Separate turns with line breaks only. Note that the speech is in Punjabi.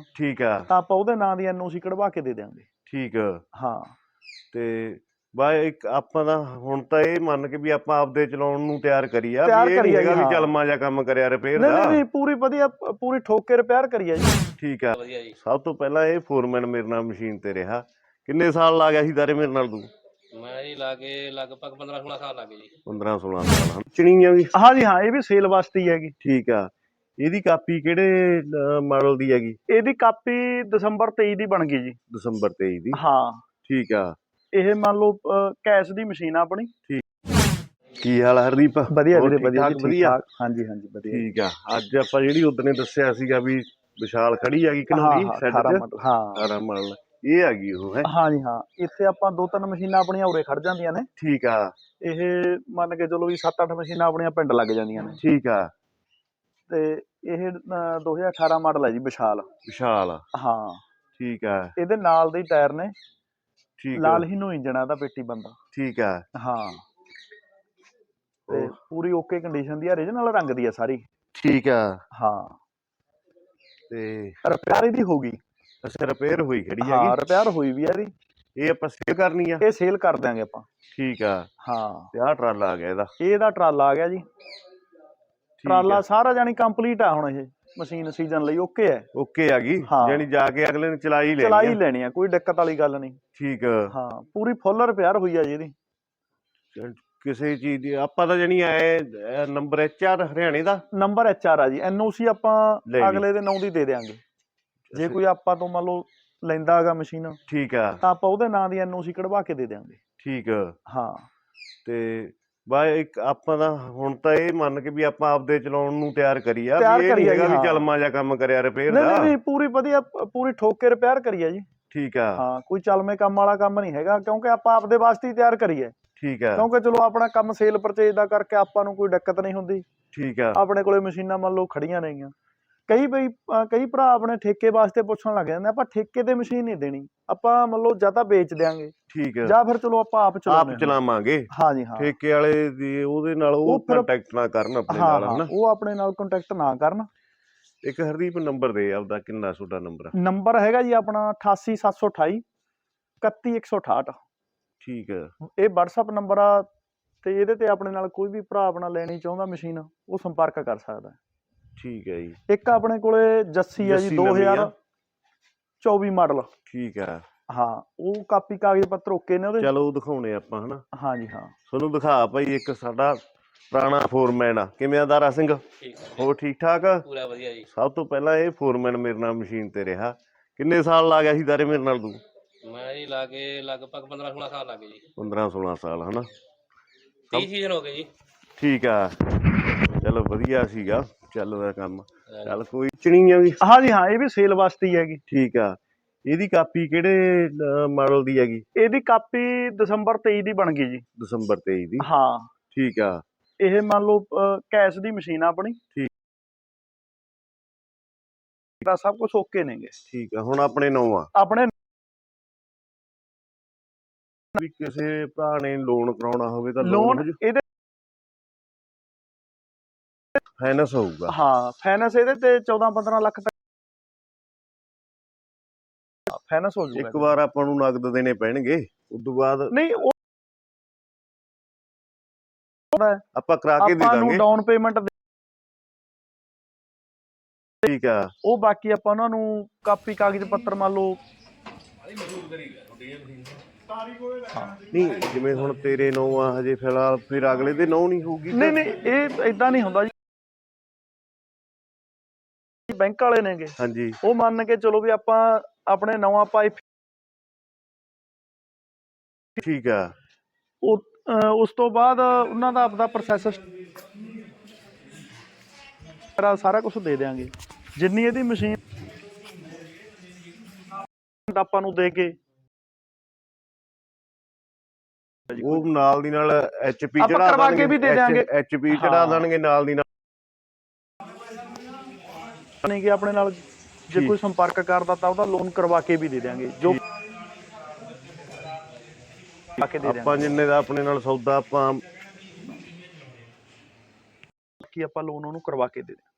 ਠੀਕ ਆ
ਤਾਂ ਆਪਾਂ ਉਹਦੇ ਨਾਂ ਦੀ ਐਨਓਸੀ ਕਢਵਾ ਕੇ ਦੇ ਦਿਆਂਗੇ।
ਠੀਕ ਆ
ਹਾਂ
ਤੇ ਬਾ ਇੱਕ ਆਪਾਂ ਦਾ ਹੁਣ ਤਾਂ ਇਹ ਮੰਨ ਕੇ ਵੀ ਆਪਾਂ ਆਪਦੇ ਚਲਾਉਣ ਨੂੰ ਤਿਆਰ ਕਰੀ ਆ
ਤਿਆਰ
ਵੀ ਇਹ ਨਹੀਂ
ਕਰੀ ਆ
ਹੈਗਾ
ਜੀ,
ਵੀ
ਹਾਂ।
ਚਲਮਾ ਜਾਂ ਕੰਮ ਕਰਿਆ ਰਿਪੇਅਰ
ਨਹੀਂ
ਦਾ।
ਨਹੀਂ ਪੂਰੀ ਵਧੀਆ ਪੂਰੀ ਠੋਕ ਕੇ ਰਿਪੇਅਰ ਕਰੀ ਆ ਜੀ।
ਠੀਕ ਆ ਸਭ ਤੋਂ ਪਹਿਲਾਂ ਇਹ ਫੋਰਮੈਨ ਮੇਰੇ ਨਾਲ ਮਸ਼ੀਨ ਤੇ ਰਿਹਾ। ਕਿੰਨੇ ਸਾਲ ਲਾ ਗਿਆ ਸੀ ਦਾਰੇ ਮੇਰੇ ਨਾਲ ਤੂੰ?
ਮੈਂ ਜੀ ਲਾ ਕੇ ਲਗਭਗ 15-16 ਸਾਲ ਲੱਗੇ ਜੀ।
15-16 ਸਾਲ ਹਨ ਚਣੀਆਂ ਵੀ?
ਹਾਂ ਜੀ ਹਾਂ, ਇਹ ਵੀ ਸੇਲ ਵਾਸਤੇ ਹੀ ਹੈਗੀ।
ਠੀਕ ਆ ਇਹਦੀ ਕਾਪੀ ਕਿਹੜੇ ਮਾਡਲ ਦੀ ਹੈਗੀ?
ਇਹਦੀ ਕਾਪੀ ਦਸੰਬਰ 23 ਦੀ ਬਣ ਗਈ ਜੀ।
ਦਸੰਬਰ 23 ਦੀ?
ਹਾਂ
ਠੀਕ ਆ
ਇਹ ਮੰਨ ਲਓ ਕੈਸ਼ ਦੀ ਮਸ਼ੀਨ ਆ ਆਪਣੀ।
ਕੀ ਹਾਲ ਹੈ ਹਰਦੀਪ?
ਵਧੀਆ
ਹੋਰ
ਵੀਰੇ,
ਠੀਕ
ਵਧੀਆ
ਠਾਕ?
ਜੀ,
ਵਧੀਆ।
ਠੀਕ ਠਾਕ। ਹਾਂਜੀ ਹਾਂਜੀ ਵਧੀਆ।
ਠੀਕ ਆ ਅੱਜ ਆਪਾਂ ਜਿਹੜੀ ਉਦਣੇ ਦੱਸਿਆ ਸੀਗਾ ਵੀ ਵਿਸ਼ਾਲ ਖੜੀ ਹੈਗੀ ਘਨੌਰੀ
ਹਾਂ
ਸੈੱਟ
18
ਚ?
ਮਾਡਲ। ਹਾਂ
18 ਮਾਡਲ ਇਹ ਹੈਗੀ ਉਹ ਹੈ?
ਹਾਂ ਜੀ ਹਾਂ, ਇੱਥੇ ਆਪਾਂ 2-3 ਮਸ਼ੀਨਾਂ ਆਪਣੀਆਂ ਉਰੇ ਖੜ ਜਾਂਦੀਆਂ ਨੇ।
ਠੀਕ ਆ
ਇਹ ਮੰਨ ਕੇ ਚਲੋ ਵੀ 7-8 ਮਸ਼ੀਨਾਂ ਆਪਣੀਆਂ ਪਿੰਡ ਲੱਗ ਜਾਂਦੀਆਂ ਨੇ।
ਠੀਕ ਆ
ਤੇ ਇਹ 2018 ਮਾਡਲ ਹੈ ਜੀ ਵਿਸ਼ਾਲ।
ਵਿਸ਼ਾਲ
ਹਾਂ
ਠੀਕ ਆ
ਇਹਦੇ ਨਾਲ ਦੇ ਟਾਇਰ ਨੇ,
ਠੀਕ
ਲਾਲ ਹੀ ਨੂੰ ਇੰਜਣ ਆ ਇਹਦਾ, ਪੇਟੀ ਬੰਦਾ।
ਠੀਕ ਆ
ਹਾਂ ਤੇ ਪੂਰੀ ਓਕੇ ਕੰਡੀਸ਼ਨ ਦੀ ਆ, ਰੀਜਨਲ ਰੰਗ ਦੀ ਆ ਸਾਰੀ।
ਠੀਕ ਆ
ਹਾਂ
ਤੇ
ਰਿਪੇਅਰ ਇਹਦੀ ਹੋ ਗਈ।
ਅੱਛਾ ਰਿਪੇਅਰ ਹੋਈ ਖੜੀ
ਹਾਂ
ਹੈਗੀ?
ਰਿਪੇਅਰ ਹੋਈ ਵੀ ਆ ਇਹਦੀ।
ਇਹ ਆਪਾਂ ਸੇਲ ਕਰਨੀ ਆ?
ਇਹ ਸੇਲ ਕਰ ਦਿਆਂਗੇ ਆਪਾਂ।
ਠੀਕ ਆ
ਹਾਂ
ਤੇ ਆਹ ਟਰਾਲਾ ਆ ਗਿਆ ਇਹਦਾ?
ਇਹਦਾ ਟਰਾਲਾ ਆ ਗਿਆ ਜੀ। ਟਰਾਲਾ ਸਾਰਾ ਜਾਨੀ ਕੰਪਲੀਟ ਆ ਹੁਣ। ਇਹ ਮਸ਼ੀਨ ਸੀਜ਼ਨ ਲਈ ਓਕੇ ਹੈ।
ਓਕੇ ਆ ਗਈ ਜਾਨੀ ਜਾ ਕੇ ਅਗਲੇ ਨੇ ਚਲਾਈ
ਲੈਣੀ ਆ, ਕੋਈ ਦਿੱਕਤ ਵਾਲੀ ਗੱਲ ਨਹੀਂ।
ਠੀਕ
ਹਾਂ ਪੂਰੀ ਫੁੱਲ ਰਿਪੇਅਰ ਹੋਈ ਆ ਜੀ ਇਹਦੀ।
ਕਿਸੇ ਚੀਜ਼ ਦੀ ਆਪਾਂ ਤਾਂ ਜਾਨੀ ਐ ਨੰਬਰ HR ਹਰਿਆਣੇ ਦਾ
ਨੰਬਰ HR ਆ ਜੀ। NOC ਆਪਾਂ ਅਗਲੇ ਦੇ ਨਾਂ ਦੀ ਦੇ ਦਿਆਂਗੇ। ਜੇ ਕੋਈ ਆਪਾਂ ਤੋਂ ਮੰਨ ਲਓ ਲੈਂਦਾ ਹੈਗਾ ਮਸ਼ੀਨ,
ਠੀਕ ਆ
ਤਾਂ ਆਪਾਂ ਉਹਦੇ ਨਾਂ ਦੀ NOC ਕਢਵਾ ਕੇ ਦੇ ਦਿਆਂਗੇ।
ਠੀਕ
ਹਾਂ
ਤੇ ਬਾ ਇੱਕ ਆਪਾਂ ਦਾ ਹੁਣ ਤਾਂ ਇਹ ਮੰਨ ਕੇ ਵੀ ਆਪਾਂ ਆਪਦੇ ਚਲਾਉਣ ਨੂੰ ਤਿਆਰ ਕਰੀ ਆ
ਤਿਆਰ
ਵੀ ਇਹ ਨਹੀਂ
ਕਰੀ ਆ
ਹੈਗਾ
ਜੀ,
ਵੀ
ਹਾਂ।
ਚਲਮਾ ਜਾਂ ਕੰਮ ਕਰਿਆ ਰਿਪੇਅਰ
ਨਹੀਂ
ਦਾ।
ਨਹੀਂ ਪੂਰੀ ਵਧੀਆ ਪੂਰੀ ਠੋਕ ਕੇ ਰਿਪੇਅਰ ਕਰੀ ਆ ਜੀ।
ਠੀਕ ਆ
ਹਾਂ ਕੋਈ ਚਲਮੇ ਕੰਮ ਵਾਲਾ ਕੰਮ ਨਹੀਂ ਹੈਗਾ, ਕਿਉਂਕਿ ਆਪਾਂ ਆਪਦੇ ਵਾਸਤੇ ਹੀ ਤਿਆਰ ਕਰੀ ਹੈ।
ਠੀਕ ਆ
ਕਿਉਂਕਿ ਚਲੋ ਆਪਣਾ ਕੰਮ ਸੇਲ ਪਰਚੇਜ ਦਾ ਕਰਕੇ ਆਪਾਂ ਨੂੰ ਕੋਈ ਦਿੱਕਤ ਨਹੀਂ ਹੁੰਦੀ।
ਠੀਕ ਆ
ਆਪਣੇ ਕੋਲੇ ਮਸ਼ੀਨਾਂ ਮੰਨ ਲਓ ਖੜੀਆਂ ਨੇਗੀਆਂ। ਕਈ ਭਰਾ ਆਪਣੇ ਠੇਕੇ ਵਾਸਤੇ ਪੁੱਛਣ ਲੱਗ ਜਾਂਦੇ, ਆਪਾਂ ਠੇਕੇ ਤੇ ਮਸ਼ੀਨ ਨਹੀਂ ਦੇਣੀ, ਆਪਾਂ ਮੰਨ ਲਓ ਜਾਂ ਤਾਂ ਵੇਚ ਦਿਆਂਗੇ
ਠੀਕ ਆ
ਜਾਂ ਫਿਰ ਚਲੋ ਆਪਾਂ ਆਪ
ਚਲਾਵਾਂਗੇ।
ਹਾਂ ਜੀ ਹਾਂ
ਠੇਕੇ ਵਾਲੇ ਦੀ ਉਹਦੇ ਨਾਲ ਉਹ ਕੰਟੈਕਟ ਨਾ ਕਰਨ ਆਪਣੇ ਨਾਲ ਹਨਾ?
ਉਹ ਆਪਣੇ ਨਾਲ ਕੰਟੈਕਟ ਨਾ ਕਰਨ।
ਇੱਕ ਹਰਦੀਪ ਨੰਬਰ ਦੇ ਆਪਦਾ, ਕਿੰਨਾ ਤੁਹਾਡਾ ਨੰਬਰ?
ਨੰਬਰ ਹੈਗਾ ਜੀ ਆਪਣਾ 88 728 31168।
ਠੀਕ ਆ
ਇਹ WhatsApp ਨੰਬਰ ਆ ਤੇ ਇਹਦੇ ਤੇ ਆਪਣੇ ਨਾਲ ਕੋਈ ਵੀ ਭਰਾ ਆਪਣਾ ਲੈਣੀ ਚਾਹੁੰਦਾ ਮਸ਼ੀਨ, ਉਹ ਸੰਪਰਕ ਕਰ ਸਕਦਾ।
ਠੀਕ ਹੈ ਜੀ।
ਇੱਕ ਆਪਣੇ ਕੋਲੇ ਜੱਸੀ ਆ ਜੀ 2024 ਮਾਡਲ।
ਠੀਕ ਆ
ਹਾਂ ਉਹ ਕਾਪੀ ਕਾਗਜ਼ ਪੱਤਰ ਓਕੇ ਨੇ ਉਹਦੇ।
ਚਲੋ ਉਹ ਦਿਖਾਉਣੇ ਆਪਾਂ ਹਨਾ?
ਹਾਂ ਜੀ ਹਾਂ
ਤੁਹਾਨੂੰ ਦਿਖਾ ਭਾਈ ਇੱਕ ਸਾਡਾ ਪੁਰਾਣਾ ਫੋਰਮੈਨ ਆ। ਕਿਵੇਂ ਆ ਦਾਰਾ ਸਿੰਘ? ਹੋਰ ਠੀਕ ਠਾਕ?
ਪੂਰਾ ਵਧੀਆ ਜੀ।
ਸਭ ਤੋਂ ਪਹਿਲਾਂ ਇਹ ਫੋਰਮੈਨ ਮੇਰੇ ਨਾਲ ਮਸ਼ੀਨ ਤੇ ਰਿਹਾ। ਕਿੰਨੇ ਸਾਲ ਲਾ ਗਿਆ ਸੀ ਦਾਰੇ ਮੇਰੇ ਨਾਲ ਤੂੰ?
ਮੈਂ ਜੀ ਲਾ ਕੇ ਲਗਭਗ 15-16 ਸਾਲ ਲੱਗੇ ਜੀ।
15-16 ਸਾਲ ਹਨਾ?
30 ਸੀਜ਼ਨ ਹੋ ਗਏ ਜੀ।
ਠੀਕ ਆ ਚਲੋ ਵਧੀਆ ਸੀਗਾ ਚੱਲਦਾ ਕੰਮ। ਚੱਲ ਕੋਈ ਚਣੀਆਂ ਵੀ?
ਹਾਂ ਜੀ ਹਾਂ, ਇਹ ਵੀ ਸੇਲ ਵਾਸਤੇ ਹੀ ਹੈਗੀ।
ਠੀਕ ਆ ਇਹਦੀ ਕਾਪੀ ਕਿਹੜੇ ਮਾਡਲ ਦੀ ਹੈਗੀ?
ਇਹਦੀ ਕਾਪੀ ਦਸੰਬਰ 23 ਦੀ ਬਣ ਗਈ ਜੀ।
ਦਸੰਬਰ 23 ਦੀ?
ਹਾਂ
ਠੀਕ ਆ
ਇਹ ਮੰਨ ਲਓ ਕੈਸ਼ ਦੀ ਮਸ਼ੀਨ ਆ ਆਪਣੀ।
ਠੀਕ
ਦਾ ਸਭ ਕੁਝ ਓਕੇ ਨੇਗੇ।
ਠੀਕ ਆ ਹੁਣ ਆਪਣੇ ਨਾਂ ਆ?
ਆਪਣੇ
ਵੀ ਕਿਸੇ ਭਰਾ ਨੇ ਲੋਨ ਕਰਾਉਣਾ ਹੋਵੇ ਤਾਂ
ਲੋਨ ਇਹਦੇ
ਫਾਈਨੈਂਸ ਹੋਊਗਾ?
ਹਾਂ ਫਾਈਨੈਂਸ ਇਹਦੇ ਤੇ 14-15 ਲੱਖ ਤੱਕ ਫਾਈਨੈਂਸ ਹੋ ਜਾਊਗਾ।
ਇੱਕ ਵਾਰ ਆਪਾਂ ਨੂੰ ਨਗਦ ਦੇਣੇ ਪੈਣਗੇ, ਉਸ ਤੋਂ ਬਾਅਦ
ਨਹੀਂ ਉਹ
ਆਪਾਂ ਕਰਾ ਕੇ ਦੇ
ਆਪਾਂ ਨੂੰ
ਦਾਂਗੇ।
ਡਾਊਨ ਪੇਮੈਂਟ
ਠੀਕ ਆ
ਉਹ ਬਾਕੀ ਆਪਾਂ ਉਹਨਾਂ ਨੂੰ ਕਾਪੀ ਕਾਗਜ਼ ਪੱਤਰ ਮੰਨ ਲਓ।
ਨਹੀਂ ਜਿਵੇਂ ਹੁਣ ਤੇਰੇ ਨਾਂ ਆ ਹਜੇ ਫਿਲਹਾਲ, ਫਿਰ ਅਗਲੇ ਦੇ ਨਾਂ ਨਹੀਂ ਹੋਊਗੀ?
ਨਹੀਂ ਨਹੀਂ ਇਹ ਇਦਾਂ ਨਹੀਂ ਹੁੰਦਾ ਜੀ। ਬੈਂਕ ਵਾਲੇ ਨੇਗੇ,
ਹਾਂਜੀ
ਉਹ ਮੰਨ ਕੇ ਚਲੋ ਵੀ ਆਪਾਂ ਆਪਣੇ ਨਵਾਂ ਪਾਈ।
ਠੀਕ ਆ
ਉਸ ਤੋਂ ਬਾਅਦ ਉਹਨਾਂ ਦਾ ਆਪਦਾ ਪ੍ਰੋਸੈਸ ਸਾਰਾ ਕੁਝ ਦੇ ਦਿਆਂਗੇ। ਜਿੰਨੀ ਇਹਦੀ ਮਸ਼ੀਨ ਆਪਾਂ ਨੂੰ ਦੇ ਕੇ
ਉਹ ਨਾਲ ਦੀ ਨਾਲ HP ਚੜਾ
ਕਰਵਾ ਕੇ ਵੀ ਦੇ ਦਿਆਂਗੇ।
HP ਚੜਾ ਦੇਣਗੇ ਨਾਲ ਦੀ ਨਾਲ।
ਨਹੀਂ ਕਿ ਆਪਣੇ ਨਾਲ ਜੇ ਕੋਈ ਸੰਪਰਕ ਕਰਦਾ ਤਾਂ ਉਹਦਾ ਲੋਨ ਕਰਵਾ ਕੇ ਵੀ ਦੇ ਦਿਆਂਗੇ। ਜੋ
ਆਪਾਂ ਜਿੰਨੇ ਦਾ ਆਪਣੇ ਨਾਲ ਸੌਦਾ ਆਪਾਂ
ਲੋਨ ਉਹਨੂੰ ਕਰਵਾ ਕੇ ਦੇ ਦਿਆਂਗੇ।